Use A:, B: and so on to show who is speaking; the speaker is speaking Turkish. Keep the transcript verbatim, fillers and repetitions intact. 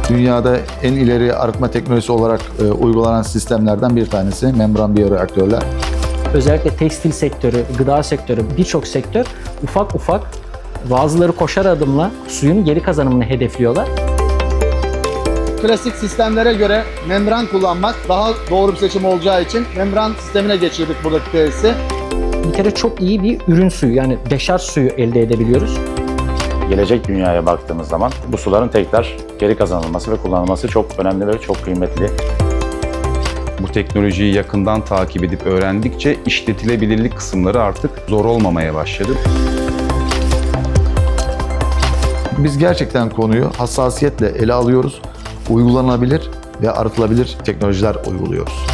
A: Dünyada en ileri arıtma teknolojisi olarak e, uygulanan sistemlerden bir tanesi membran biyoreaktörler.
B: Özellikle tekstil sektörü, gıda sektörü, birçok sektör ufak ufak bazıları koşar adımla suyun geri kazanımını hedefliyorlar.
C: Klasik sistemlere göre membran kullanmak daha doğru bir seçim olacağı için membran sistemine geçirdik buradaki tesisi.
B: Bir kere çok iyi bir ürün suyu, yani deşarj suyu elde edebiliyoruz.
D: Gelecek dünyaya baktığımız zaman bu suların tekrar geri kazanılması ve kullanılması çok önemli ve çok kıymetli.
E: Bu teknolojiyi yakından takip edip öğrendikçe işletilebilirlik kısımları artık zor olmamaya başladı.
A: Biz gerçekten konuyu hassasiyetle ele alıyoruz. Uygulanabilir ve arıtılabilir teknolojiler uyguluyoruz.